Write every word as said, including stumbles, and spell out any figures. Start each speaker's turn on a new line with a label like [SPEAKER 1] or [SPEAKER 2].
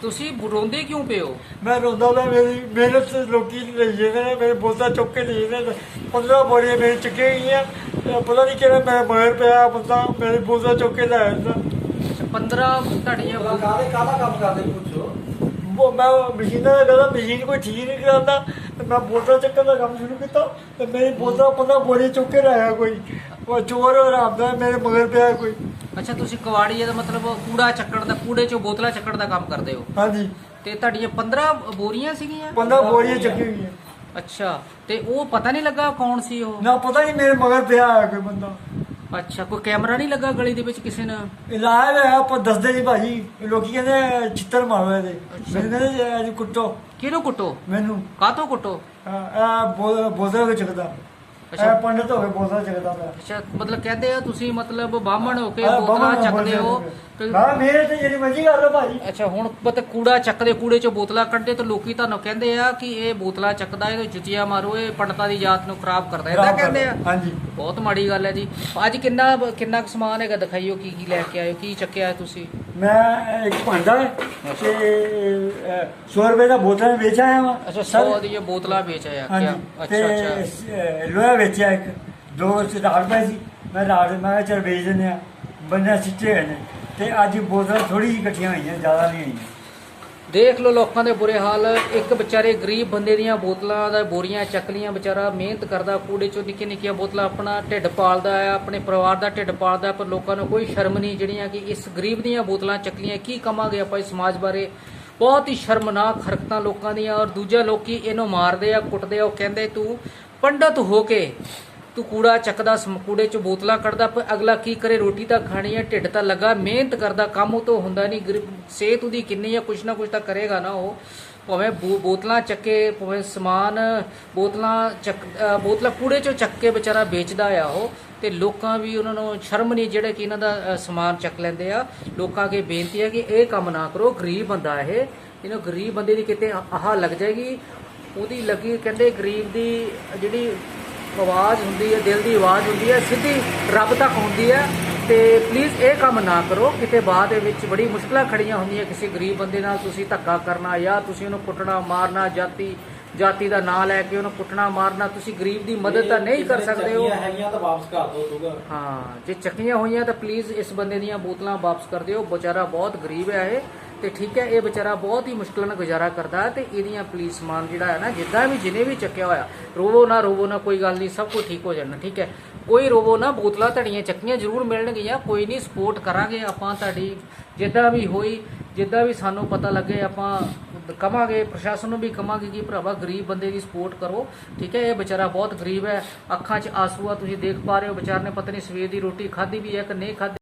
[SPEAKER 1] ਤੁਸੀਂ ਰੋਂਦੇ ਕਿਉਂ ਪਏ ਹੋ?
[SPEAKER 2] मैं रोंदा था मेरी मेहनत से लोग ले गए मेरे बोलता चुक के ले गए पंद्रह बोरियां मेरी चुके गई पता नहीं कि मैं मगर पे आया बंदा मेरे बोलता चुक के लाया था
[SPEAKER 1] पंद्रह ਤੁਹਾਡੀਆਂ ਬੋ-
[SPEAKER 3] ਕਾਹਦੇ ਕਾਹਦਾ ਕੰਮ ਕਰਦੇ ਪੁੱਛੋ।
[SPEAKER 2] वो मैं मशीन का कहता मशीन कोई ठीक नहीं कराता तो मैं बोतल चक्कर का काम शुरू किया तो मेरी बोतल पंद्रह बोरियां चुक के लाया कोई वो चोर और आमदा मेरे मगर पे आया कोई।
[SPEAKER 1] ਅੱਛਾ ਤੁਸੀਂ ਕਵਾੜੀ ਦਾ ਮਤਲਬ ਕੂੜਾ ਚੱਕਣ ਦਾ ਕੂੜੇ ਚੋਂ ਬੋਤਲਾਂ ਚੱਕਣ ਦਾ ਕੰਮ ਕਰਦੇ ਹੋ
[SPEAKER 2] हाँ जी
[SPEAKER 1] ਤੇ ਤੁਹਾਡੀਆਂ ਪੰਦਰਾਂ ਬੋਰੀਆਂ ਸੀਗੀਆਂ?
[SPEAKER 2] पंद्रह बोरियां चुकी हुई है
[SPEAKER 1] ਅੱਛਾ ਤੇ ਉਹ ਪਤਾ ਨਹੀਂ ਲੱਗਾ ਕੌਣ ਸੀ ਉਹ?
[SPEAKER 2] ना पता नहीं मेरे मगर पे आया कोई बंदा
[SPEAKER 1] ਅੱਛਾ ਕੋਈ ਕੈਮਰਾ ਨਹੀਂ ਲੱਗਾ ਗਲੀ ਦੇ ਵਿੱਚ ਕਿਸੇ ਨੇ?
[SPEAKER 2] ਇਲਾਜ ਹੈ ਆਪਾਂ ਦੱਸਦੇ ਨਹੀਂ ਭਾਜੀ ਲੋਕੀ ਕਹਿੰਦੇ ਛਿੱਤਰ ਮਾਰੋ ਇਹਦੇ ਮੈਨੂੰ ਕਹਿੰਦੇ ਅੱਜ ਕੁੱਟੋ
[SPEAKER 1] ਕਿਹਨੂੰ ਕੁੱਟੋ?
[SPEAKER 2] ਮੈਨੂੰ
[SPEAKER 1] ਕਾਹਤੋਂ ਕੁੱਟੋ?
[SPEAKER 2] ਆ ਬੋਜ਼ਾ ਵਿੱਚ ਚੱਕਦਾ
[SPEAKER 1] ਅੱਛਾ।
[SPEAKER 2] ਇਹ ਪੰਡਤ ਹੋ ਕੇ ਬੋਜ਼ਾ ਚੱਕਦਾ ਪਿਆ
[SPEAKER 1] ਅੱਛਾ ਮਤਲਬ ਕਹਿੰਦੇ ਆ ਤੁਸੀਂ ਮਤਲਬ ਬਾਹਮਣ ਹੋ ਕੇ
[SPEAKER 2] ਆਹ
[SPEAKER 1] ਬੋਤਲਾਂ
[SPEAKER 2] ਬਾਹਮਣ
[SPEAKER 1] ਚੱਕਦੇ ਹੋ ਤੇ-
[SPEAKER 2] ਹਾਂ ਮੇਰੇ ਤੇ ਜਿਹੜੀ ਮਰਜ਼ੀ ਕਰ ਲਓ ਭਾਜੀ।
[SPEAKER 1] ਅੱਛਾ ਹੁਣ ਪਤਾ ਕੂੜਾ ਚੱਕਦੇ ਕੂੜੇ ਚੋਂ ਬੋਤਲਾਂ ਕੱਢਦੇ ਤਾਂ ਲੋਕੀ ਤੁਹਾਨੂੰ ਕਹਿੰਦੇ ਆ ਕਿ ਇਹ ਬੋਤਲਾਂ ਚੱਕਦਾ ਇਹ ਜੁੱਤੀਆਂ ਮਾਰੋ ਇਹ ਪੰਡਤਾਂ ਦੀ ਜਾਤ ਨੂੰ ਖਰਾਬ ਕਰਦਾ ਇਹਦਾ
[SPEAKER 2] ਖਰਾਬ
[SPEAKER 1] ਕਹਿੰਦੇ ਆ।
[SPEAKER 2] ਕਰਦਾ, ਹਾਂਜੀ।
[SPEAKER 1] ਬਹੁਤ ਮਾੜੀ ਗੱਲ ਹੈ ਜੀ। ਅੱਜ ਕਿੰਨਾ ਕਿੰਨਾ ਕੁ ਸਮਾਨ ਹੈਗਾ ਦਿਖਾਈਓ ਕੀ ਕੀ ਲੈ ਕੇ ਆਇਓ ਕੀ ਚੱਕਿਆ ਹੈ ਤੁਸੀਂ?
[SPEAKER 2] ਮੈਂ ਇੱਕ ਭਾਂਡਾ ਹੈ ਤੇ ਸੌ ਰੁਪਏ ਦਾ ਬੋਤਲ ਵੇਚ ਆਇਆ ਵਾ
[SPEAKER 1] ਅੱਛਾ ਸੌ ਦੀਆਂ ਬੋਤਲਾਂ ਵੇਚ ਆਇਆ
[SPEAKER 2] ਹਾਂਜੀ
[SPEAKER 1] ਕਿਆ?
[SPEAKER 2] ਤੇ
[SPEAKER 1] ਅੱਛਾ ਅੱਛਾ
[SPEAKER 2] ਅਹ, ਲੋਹਾ ਵੇਚਿਆ ਇੱਕ ਦੋ ਰਾੜ ਪਏ ਸੀ ਮੈਂ ਰਾੜ ਮੈਂ ਕਿਹਾ ਚੱਲ ਵੇਚ ਦਿੰਦੇ ਆ ਬੰਦੇ ਸਿੱਟੇ ਹੋਏ ਨੇ ਤੇ ਅੱਜ ਬੋਤਲਾਂ ਥੋੜੀ ਜਿਹੀ ਇਕੱਠੀਆਂ ਹੋਈਆਂ ਜ਼ਿਆਦਾ ਨਹੀਂ ਹੋਈਆਂ।
[SPEAKER 1] ਦੇਖ ਲਓ ਲੋਕਾਂ ਦੇ ਬੁਰੇ ਹਾਲ। ਇੱਕ ਵਿਚਾਰੇ ਗਰੀਬ ਬੰਦੇ ਦੀਆਂ ਬੋਤਲਾਂ ਦਾ ਬੋਰੀਆਂ ਚੱਕ ਲੀਆਂ ਵਿਚਾਰਾ ਮਿਹਨਤ ਕਰਦਾ ਕੂੜੇ ਚੋਂ ਨਿੱਕੀਆਂ ਨਿੱਕੀਆਂ ਬੋਤਲਾਂ ਆਪਣਾ ਢਿੱਡ ਪਾਲਦਾ ਹੈ ਆਪਣੇ ਪਰਿਵਾਰ ਦਾ ਢਿੱਡ ਪਾਲਦਾ ਪਰ ਲੋਕਾਂ ਨੂੰ ਕੋਈ ਸ਼ਰਮ ਨਹੀਂ ਜਿਹੜੀਆਂ ਕਿ ਇਸ ਗਰੀਬ ਦੀਆਂ ਬੋਤਲਾਂ ਚੱਕਲੀਆਂ ਕੀ ਕਮਾਂਗੇ ਆਪਾਂ ਇਸ ਸਮਾਜ ਬਾਰੇ। ਬਹੁਤ ਹੀ ਸ਼ਰਮਨਾਕ ਹਰਕਤਾਂ ਲੋਕਾਂ ਦੀਆਂ ਔਰ ਦੂਜਾ ਲੋਕੀ ਇਹਨੂੰ ਮਾਰਦੇ ਆ ਕੁੱਟਦੇ ਆ ਉਹ ਕਹਿੰਦੇ ਤੂੰ ਪੰਡਤ ਹੋ ਕੇ ਤੂੰ ਕੂੜਾ ਚੱਕਦਾ ਸਮ- ਕੂੜੇ ਚੋਂ ਬੋਤਲਾਂ ਕੱਢਦਾ ਪਰ ਅਗਲਾ ਕੀ ਕਰੇ ਰੋਟੀ ਤਾਂ ਖਾਣੀ ਹੈ ਢਿੱਡ ਤਾਂ ਲੱਗਾ ਮਿਹਨਤ ਕਰਦਾ ਕੰਮ ਉਹ ਤੋਂ ਹੁੰਦਾ ਨਹੀਂ ਗਰੀਬ ਸਿਹਤ ਉਹਦੀ ਕਿੰਨੀ ਆ ਕੁਛ ਨਾ ਕੁਛ ਤਾਂ ਕਰੇਗਾ ਨਾ ਉਹ ਭਾਵੇਂ ਬੋ- ਬੋਤਲਾਂ ਚੱਕੇ ਭਾਵੇਂ ਸਮਾਨ ਬੋਤਲਾਂ ਚੱਕ ਅ, ਬੋਤਲਾਂ ਕੂੜੇ ਚੋਂ ਚੱਕ ਕੇ ਵਿਚਾਰਾ ਵੇਚਦਾ ਆ ਉਹ ਤੇ ਲੋਕਾਂ ਵੀ ਉਹਨਾਂ ਨੂੰ ਸ਼ਰਮ ਨਹੀਂ ਜਿਹੜੇ ਕਿ ਇਹਨਾਂ ਦਾ ਅ, ਸਮਾਨ ਚੱਕ ਲੈਂਦੇ ਆ। ਲੋਕਾਂ ਅੱਗੇ ਬੇਨਤੀ ਹੈ ਕਿ ਇਹ ਕੰਮ ਨਾ ਕਰੋ ਗਰੀਬ ਬੰਦਾ ਇਹ ਇਹਨੂੰ ਗਰੀਬ ਬੰਦੇ ਦੀ ਕਿਤੇ ਆਹ ਲੱਗ ਜਾਏਗੀ ਉਹਦੀ ਲੱਗੀ ਕਹਿੰਦੇ ਗਰੀਬ ਦੀ ਜਿਹੜੀ ਆਵਾਜ਼ ਹੁੰਦੀ ਹੈ ਦਿਲ ਦੀ ਆਵਾਜ਼ ਹੁੰਦੀ ਹੈ ਸਿੱਧੀ ਰੱਬ ਤੱਕ ਹੁੰਦੀ ਹੈ ਤੇ ਪਲੀਜ਼ ਇਹ ਕੰਮ ਨਾ ਕਰੋ ਕਿਤੇ ਬਾਅਦ ਦੇ ਵਿੱਚ ਬੜੀ ਮੁਸ਼ਕਲਾਂ ਖੜੀਆਂ ਹੁੰਦੀਆਂ ਕਿਸੇ ਗਰੀਬ ਬੰਦੇ ਨਾਲ ਤੁਸੀਂ ਧੱਕਾ ਕਰਨਾ ਜਾਂ ਤੁਸੀਂ ਉਹਨੂੰ ਕੁੱਟਣਾ ਮਾਰਨਾ ਜਾਤੀ ਜਾਤੀ ਦਾ ਨਾਂ ਲੈ ਕੇ ਉਹਨੂੰ ਕੁੱਟਣਾ ਮਾਰਨਾ ਤੁਸੀਂ ਗਰੀਬ ਦੀ ਮਦਦ ਤਾਂ ਨਹੀਂ ਕਰ ਸਕਦੇ ਹੋ।
[SPEAKER 3] ਹੈਗੀਆਂ ਤਾਂ ਵਾਪਸ ਕਰ ਦਿਓ ਦੂਗਾ।
[SPEAKER 1] ਹਾਂ ਜੇ ਚੱਕੀਆਂ ਹੋਈਆਂ ਤਾਂ ਪਲੀਜ਼ ਇਸ ਬੰਦੇ ਦੀਆਂ ਬੋਤਲਾਂ ਵਾਪਸ ਕਰ ਦਿਓ ਵਿਚਾਰਾ ਬਹੁਤ ਗਰੀਬ ਹੈ ਇਹ ਤੇ ਠੀਕ ਹੈ ਇਹ ਵਿਚਾਰਾ ਬਹੁਤ ਹੀ ਮੁਸ਼ਕਲ ਨਾਲ ਗੁਜ਼ਾਰਾ ਕਰਦਾ ਤੇ ਇਹਦੀਆਂ ਪਲੀਜ਼ ਸਮਾਨ ਜਿਹੜਾ ਹੈ ਨਾ ਜਿੱਦਾਂ ਵੀ ਜਿਹਨੇ ਵੀ ਚੱਕਿਆ ਹੋਇਆ ਰੋਵੋ ਨਾ ਰੋਵੋ ਨਾ ਕੋਈ ਗੱਲ ਨਹੀਂ ਸਭ ਕੁਝ ਠੀਕ ਹੋ ਜਾਣਾ ਠੀਕ ਹੈ ਕੋਈ ਰੋਵੋ ਨਾ ਬੋਤਲਾਂ ਤੁਹਾਡੀਆਂ ਚੱਕੀਆਂ ਜ਼ਰੂਰ ਮਿਲਣਗੀਆਂ ਕੋਈ ਨਹੀਂ ਸਪੋਰਟ ਕਰਾਂਗੇ ਆਪਾਂ ਤੁਹਾਡੀ ਜਿੱਦਾਂ ਵੀ ਹੋਈ ਜਿੱਦਾਂ ਵੀ ਸਾਨੂੰ ਪਤਾ ਲੱਗੇ ਆਪਾਂ ਕਵਾਂਗੇ ਪ੍ਰਸ਼ਾਸਨ ਨੂੰ ਵੀ ਕਵਾਂਗੇ ਕਿ ਭਰਾਵਾ ਗਰੀਬ ਬੰਦੇ ਦੀ ਸਪੋਰਟ ਕਰੋ ਠੀਕ ਹੈ ਇਹ ਵਿਚਾਰਾ ਬਹੁਤ ਗਰੀਬ ਹੈ ਅੱਖਾਂ 'ਚ ਆਂਸੂ ਆ ਤੁਸੀਂ ਦੇਖ ਪਾ ਰਹੇ ਹੋ ਵਿਚਾਰ ਨੇ ਪਤਾ ਨਹੀਂ ਸਵੇਰ ਦੀ ਰੋਟੀ ਖਾਧੀ ਵੀ ਹੈ ਕਿ ਨਹੀਂ ਖਾਧੀ।